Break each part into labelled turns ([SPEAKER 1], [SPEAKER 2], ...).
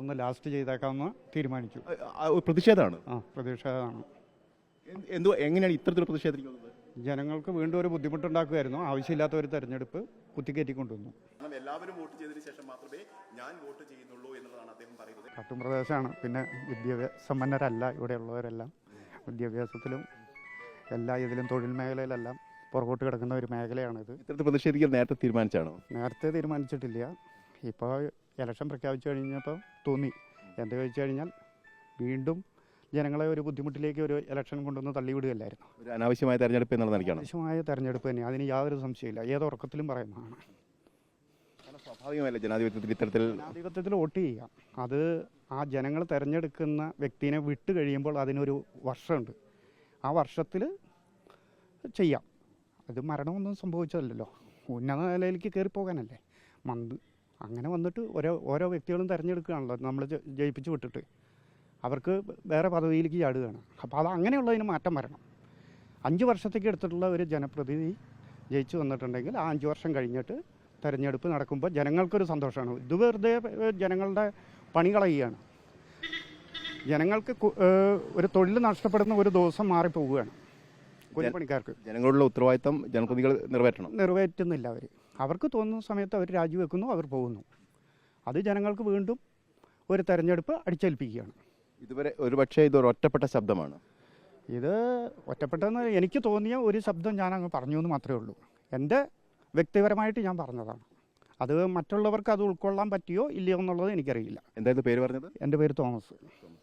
[SPEAKER 1] അതൊന്ന് ലാസ്റ്റ് ചെയ്തേക്കാമെന്ന് തീരുമാനിച്ചു.
[SPEAKER 2] പ്രതിഷേധമാണ്.
[SPEAKER 1] പ്രതിഷേധമാണ്.
[SPEAKER 2] എങ്ങനെയാണ് ഇത്തരത്തിൽ പ്രതിഷേധിക്കുന്നത്?
[SPEAKER 1] ജനങ്ങൾക്ക് വീണ്ടും ഒരു ബുദ്ധിമുട്ടുണ്ടാക്കുമായിരുന്നു. ആവശ്യമില്ലാത്ത ഒരു തെരഞ്ഞെടുപ്പ് കുത്തിക്കയറ്റിക്കൊണ്ടുവന്നു.
[SPEAKER 2] എല്ലാവരും വോട്ട് ചെയ്തതിന് ശേഷം മാത്രമേ ഞാൻ വോട്ട് ചെയ്യുന്നുള്ളൂ എന്നുള്ളതാണ് അദ്ദേഹം പറയുന്നത്.
[SPEAKER 1] കാട്ടുംപ്രദേശമാണ്. പിന്നെ വിദ്യാഭ്യാസമ്പന്നരല്ല ഇവിടെയുള്ളവരെല്ലാം. വിദ്യാഭ്യാസത്തിലും എല്ലാ ഇതിലും തൊഴിൽ മേഖലയിലെല്ലാം പുറകോട്ട് കിടക്കുന്ന ഒരു മേഖലയാണിത്.
[SPEAKER 2] ഇത്തരത്തിൽ പ്രതിഷേധിക്കാൻ നേരത്തെ തീരുമാനിച്ചാണോ?
[SPEAKER 1] നേരത്തെ തീരുമാനിച്ചിട്ടില്ല. ഇപ്പോൾ ഇലക്ഷൻ പ്രഖ്യാപിച്ചു കഴിഞ്ഞപ്പോൾ തോന്നി. എന്താ ചോദിച്ചു കഴിഞ്ഞാൽ വീണ്ടും ജനങ്ങളെ ഒരു ബുദ്ധിമുട്ടിലേക്ക് ഒരു ഇലക്ഷൻ കൊണ്ടുവന്ന് തള്ളിവിടുകയല്ലായിരുന്നു.
[SPEAKER 2] ഒരു അനാവശ്യമായ തെരഞ്ഞെടുപ്പ് എന്നുള്ള നിലയ്ക്കാണ്.
[SPEAKER 1] അനാവശ്യമായ തെരഞ്ഞെടുപ്പ് തന്നെ, അതിന് യാതൊരു സംശയമില്ല. ഏത് ഉറക്കത്തിലും പറയുന്നതാണ്.
[SPEAKER 2] സ്വാഭാവികമല്ല ജനാധിപത്യത്തിൽ
[SPEAKER 1] വോട്ട് ചെയ്യുക. അത് ആ ജനങ്ങൾ തിരഞ്ഞെടുക്കുന്ന വ്യക്തിനെ വിട്ട് കഴിയുമ്പോൾ അതിനൊരു വർഷമുണ്ട്. ആ വർഷത്തിൽ ചെയ്യാം. അത് മരണമൊന്നും സംഭവിച്ചതല്ലല്ലോ. ഉന്നത നിലയിലേക്ക് കയറിപ്പോകാനല്ലേ. അങ്ങനെ വന്നിട്ട് ഓരോ വ്യക്തികളും തിരഞ്ഞെടുക്കുകയാണല്ലോ നമ്മൾ ജയിപ്പിച്ച് വിട്ടിട്ട്. അവർക്ക് വേറെ പദവിയിലേക്ക് ചാടുകയാണ്. അപ്പോൾ അത് അങ്ങനെയുള്ളതിന് മാറ്റം വരണം. 5 വർഷത്തേക്ക് എടുത്തിട്ടുള്ള ഒരു ജനപ്രതിനിധി ജയിച്ചു വന്നിട്ടുണ്ടെങ്കിൽ ആ 5 വർഷം കഴിഞ്ഞിട്ട് തെരഞ്ഞെടുപ്പ് നടക്കുമ്പോൾ ജനങ്ങൾക്കൊരു സന്തോഷമാണ്. ഇത് വെറുതെ ജനങ്ങളുടെ പണി കളയുകയാണ്. ജനങ്ങൾക്ക് ഒരു തൊഴിൽ നഷ്ടപ്പെടുന്ന ഒരു ദിവസം മാറിപ്പോവുകയാണ്. കൂലിപ്പണിക്കാർക്ക്
[SPEAKER 2] ജനങ്ങളുടെ ഉത്തരവാദിത്തം ജനപ്രതിനിധികൾ
[SPEAKER 1] നിറവേറ്റുന്നില്ല. അവർക്ക് തോന്നുന്ന സമയത്ത് അവർ രാജിവെക്കുന്നു, അവർ പോകുന്നു. അത് ജനങ്ങൾക്ക് വീണ്ടും ഒരു തെരഞ്ഞെടുപ്പ് അടിച്ചേൽപ്പിക്കുകയാണ്.
[SPEAKER 2] ഇതുവരെ ഒരുപക്ഷെ ഇതൊരു ഒറ്റപ്പെട്ട ശബ്ദമാണ്.
[SPEAKER 1] ഇത് ഒറ്റപ്പെട്ടെന്ന് എനിക്ക് തോന്നിയ ഒരു ശബ്ദം ഞാൻ അങ്ങ് പറഞ്ഞു എന്ന് മാത്രമേ ഉള്ളൂ. എൻ്റെ വ്യക്തിപരമായിട്ട് ഞാൻ പറഞ്ഞതാണ്. അത് മറ്റുള്ളവർക്ക് അത് ഉൾക്കൊള്ളാൻ പറ്റിയോ ഇല്ലയോ എന്നുള്ളത് എനിക്കറിയില്ല.
[SPEAKER 2] എന്തായിരുന്നു പേര് പറഞ്ഞത്?
[SPEAKER 1] എൻ്റെ പേര് തോമസ്.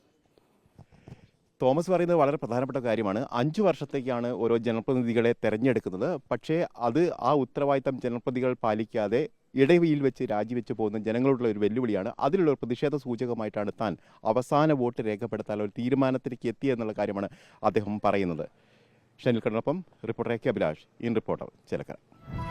[SPEAKER 2] തോമസ് പറയുന്നത് വളരെ പ്രധാനപ്പെട്ട കാര്യമാണ്. 5 വർഷത്തേക്കാണ് ഓരോ ജനപ്രതിനിധികളെ തെരഞ്ഞെടുക്കുന്നത്. പക്ഷേ അത് ആ ഉത്തരവാദിത്തം ജനപ്രതിനിധികൾ പാലിക്കാതെ ഇടവയിൽ വെച്ച് രാജിവെച്ച് പോകുന്ന ജനങ്ങളോടുള്ള ഒരു വെല്ലുവിളിയാണ്. അതിലുള്ള ഒരു പ്രതിഷേധ സൂചകമായിട്ടാണ് താൻ അവസാന വോട്ട് രേഖപ്പെടുത്താൻ ഒരു തീരുമാനത്തിലേക്ക് എത്തിയെന്നുള്ള കാര്യമാണ് അദ്ദേഹം പറയുന്നത്. ഷനിൽ കണ്ണൊപ്പം reporter A K Abhilash, in reporter, Chelakkara.